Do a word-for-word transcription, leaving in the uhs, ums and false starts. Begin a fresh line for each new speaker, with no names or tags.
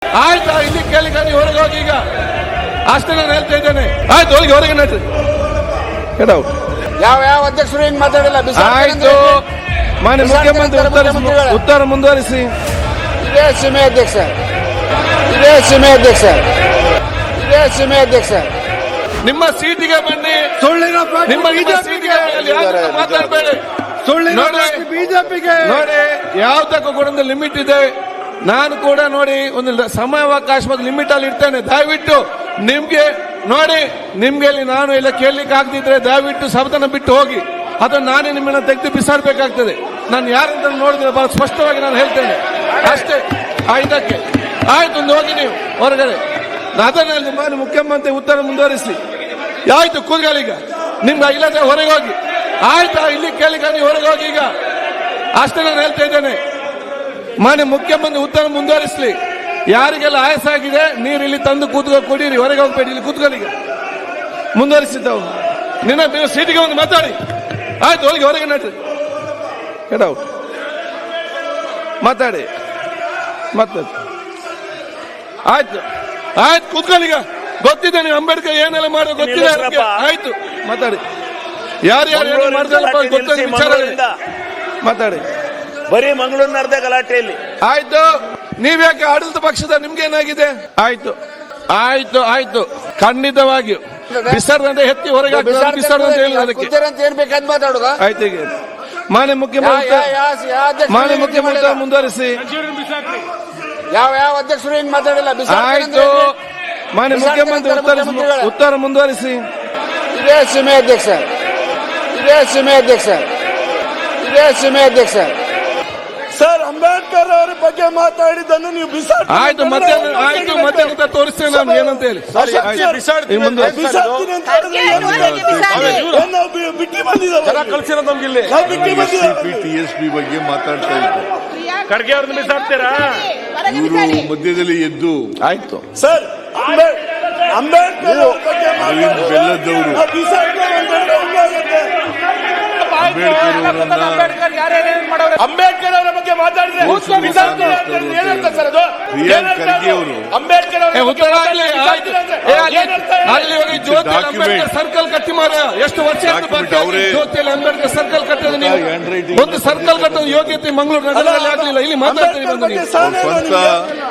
ಆಯ್ತಾ ಇಲ್ಲಿ ಕೇಳಿ ನೀವು ಹೊರಗೆ ಹೋಗಿ ಈಗ ಅಷ್ಟೇ ನಾನು ಹೇಳ್ತಾ ಇದ್ದೇನೆ. ಆಯ್ತು ಹೋಗಿ ಹೊರಗೆ ನಡ್ರಿ.
ಯಾವ ಯಾವ ಅಧ್ಯಕ್ಷರು ಹಿಂಗ್ ಮಾತಾಡಿಲ್ಲ.
ಆಯ್ತು ಮಾನ್ಯ ಮುಖ್ಯಮಂತ್ರಿ ಉತ್ತರ ಉತ್ತರ ಮುಂದುವರಿಸಿ.
ಇದೇ ಸೀಮೆ ಅಧ್ಯಕ್ಷ ಇದೇ ಸೀಮೆ ಅಧ್ಯಕ್ಷ ಇದೇ ಸೀಮೆ ಅಧ್ಯಕ್ಷ
ನಿಮ್ಮ ಸೀಟಿಗೆ ಬನ್ನಿ.
ಸುಳ್ಳಿನ
ನಿಮ್ಮ ಸೀಟಿಗೆ ಮಾತಾಡಬೇಡಿ.
ಸುಳ್ಳಿನ ಬಿಜೆಪಿಗೆ
ನೋಡಿ ಯಾವ್ದಕ್ಕೂ ಕೂಡ ಒಂದು ಲಿಮಿಟ್ ಇದೆ. ನಾನು ಕೂಡ ನೋಡಿ ಒಂದು ಸಮಯಾವಕಾಶ ಮತ್ತು ಲಿಮಿಟ್ ಅಲ್ಲಿ ಇರ್ತೇನೆ. ದಯವಿಟ್ಟು ನಿಮ್ಗೆ ನೋಡಿ ನಿಮ್ಗೆ ನಾನು ಎಲ್ಲ ಕೇಳಲಿಕ್ಕೆ ಆಗದಿದ್ರೆ ದಯವಿಟ್ಟು ಸದನ ಬಿಟ್ಟು ಹೋಗಿ. ಅದನ್ನು ನಾನೇ ನಿಮ್ಮನ್ನ ತೆಗೆದು ಬಿಸಾಡಬೇಕಾಗ್ತದೆ. ನಾನು ಯಾರಂತ ನೋಡಿದ್ರೆ ಬಹಳ ಸ್ಪಷ್ಟವಾಗಿ ನಾನು ಹೇಳ್ತೇನೆ ಅಷ್ಟೇ. ಇದಕ್ಕೆ ಆಯ್ತು ಒಂದು ಹೋಗಿ ನೀವು ಹೊರಗಡೆ. ಅದನ್ನ ಮಾನ್ಯ ಮುಖ್ಯಮಂತ್ರಿ ಉತ್ತರ ಮುಂದುವರಿಸಿ. ಆಯ್ತು ಕೂತ್ಕೊಳ್ಳೀಗ ನಿಮ್ಗೆ ಇಲ್ಲದೆ ಹೊರಗೆ ಹೋಗಿ. ಆಯ್ತಾ ಇಲ್ಲಿ ಕೇಳಿ ನೀವು ಹೊರಗೆ ಹೋಗಿ ಈಗ ಅಷ್ಟೇ ನಾನು ಹೇಳ್ತಾ ಇದ್ದೇನೆ. ಮಾನ್ಯ ಮುಖ್ಯಮಂತ್ರಿ ಉತ್ತರ ಮುಂದುವರಿಸಲಿ. ಯಾರಿಗೆಲ್ಲ ಆಯಾಸ ಆಗಿದೆ ನೀರು ಇಲ್ಲಿ ತಂದು ಕೂತ್ಕೊ ಕುಡೀರಿ. ಹೊರಗೆ ಹೋಗ್ಬೇಡಿ, ಇಲ್ಲಿ ಕೂತ್ಕೊಳ್ಳೀಗ ಮುಂದುವರಿಸಿದ್ದವು. ನಿನ್ನ ಸೀಟಿಗೆ ಒಂದು ಮಾತಾಡಿ. ಆಯ್ತು ಹೋಗಿ ಹೊರಗೆ ನಡ್ರಿ. ಕೆಡವು ಮಾತಾಡಿ ಮಾತಾಡಿ. ಆಯ್ತು ಆಯ್ತು ಕೂತ್ಕೊಳ್ಳೀಗ. ಗೊತ್ತಿದೆ ನೀವು ಅಂಬೇಡ್ಕರ್ ಏನೆಲ್ಲ ಮಾಡೋ ಗೊತ್ತಿದೆ. ಆಯ್ತು ಮಾತಾಡಿ. ಯಾರು ಯಾರು ಮಾಡಿದಲ್ಲಪ್ಪ ಗೊತ್ತಿದೆ ವಿಚಾರ ಮಾತಾಡಿ.
ಬರೀ ಮಂಗಳೂರಿನ ಅರ್ಧ ಗಲಾಟೆಯಲ್ಲಿ.
ಆಯ್ತು ನೀವ್ಯಾಕೆ ಆಡಳಿತ ಪಕ್ಷದ ನಿಮ್ಗೆ ಏನಾಗಿದೆ? ಆಯ್ತು ಆಯ್ತು ಆಯ್ತು ಖಂಡಿತವಾಗಿಯೂ ಬಿಸರ್ದಂತೆ ಎತ್ತಿ ಹೊರಗೆ ಬಿಸರ್ದಂತೆ ಹೇಳಿಲ್ಲ ಅದಕ್ಕೆ.
ಏನ್ ಬೇಕಾದ್ ಮಾತಾಡುದ.
ಆಯ್ತು ಈಗ ಮಾನ್ಯ ಮುಖ್ಯಮಂತ್ರಿ ಮಾನ್ಯ ಮುಖ್ಯಮಂತ್ರಿ ಮುಂದುವರಿಸಿ.
ಯಾವ ಯಾವ ಅಧ್ಯಕ್ಷರು ಹಿಂಗ್ ಮಾತಾಡಿಲ್ಲ.
ಆಯ್ತು ಮಾನ್ಯ ಮುಖ್ಯಮಂತ್ರಿ ಉತ್ತರ ಉತ್ತರ ಮುಂದುವರಿಸಿ.
ಇದೇ ಸೀಮೆ ಅಧ್ಯಕ್ಷ ಇದೇ ಸೀಮೆ ಅಧ್ಯಕ್ಷ ಇದೇ ಸೀಮೆ ಅಧ್ಯಕ್ಷ
ಸರ್ ಅಂಬೇಡ್ಕರ್ ಅವರ ಬಗ್ಗೆ ಮಾತಾಡಿದ್ದನ್ನು ನೀವು ಬಿಸಾಡಿ.
ಆಯ್ತು ಮತ್ತೆ ಆಯ್ತು ಮತ್ತೆ ಅಂತ ತೋರಿಸ್ತೇನೆ ನಾನು ಏನಂತ ಹೇಳಿ.
ಬಿಟ್ಟಿ ಬಂದಿದ್ದಾರೆ
ಕಳ್ಸಿರೋ ನಮ್ಗೆ ಇಲ್ಲಿ
ಟಿ ಎಸ್ ಪಿ ಬಗ್ಗೆ ಮಾತಾಡ್ತಾ ಇದ್ದಾರೆ.
ಖರ್ಗೆ ಅವ್ರನ್ನ ಬಿಸಾಡ್ತೀರಾ?
ಇವರು ಮಧ್ಯದಲ್ಲಿ ಎದ್ದು
ಆಯ್ತು ಸರ್ ಅಂಬೇಡ್ಕರ್
ಅರವಿಂದ್ ಬೆಲ್ಲದವರು
ಅಂಬೇಡ್ಕರ್ ಅವರ ಬಗ್ಗೆ ಮಾತಾಡಿದ್ರೆ
ಪ್ರಿಯಾಂಕ್ ಖರ್ಗೆ ಅವರು
ಅಂಬೇಡ್ಕರ್
ಅಲ್ಲಿ ಹೋಗಿ ಜ್ಯೋತಿ ಅಂಬೇಡ್ಕರ್ ಸರ್ಕಲ್ ಕಟ್ಟಿ ಮಾರ. ಎಷ್ಟು ವರ್ಷ ಜ್ಯೋತಿಯಲ್ಲಿ ಅಂಬೇಡ್ಕರ್ ಸರ್ಕಲ್ ಕಟ್ಟೋದು ನೀವು ಒಂದು ಸರ್ಕಲ್ ಕಟ್ಟೋದು ಯೋಗ್ಯತೆ ಮಂಗಳೂರು ನಗರದಲ್ಲಿ ಆಗಲಿಲ್ಲ. ಇಲ್ಲಿ ಮಾತಾಡ್ತೀರಿ ಬಂದು ನೀವು.
ಸ್ವಂತ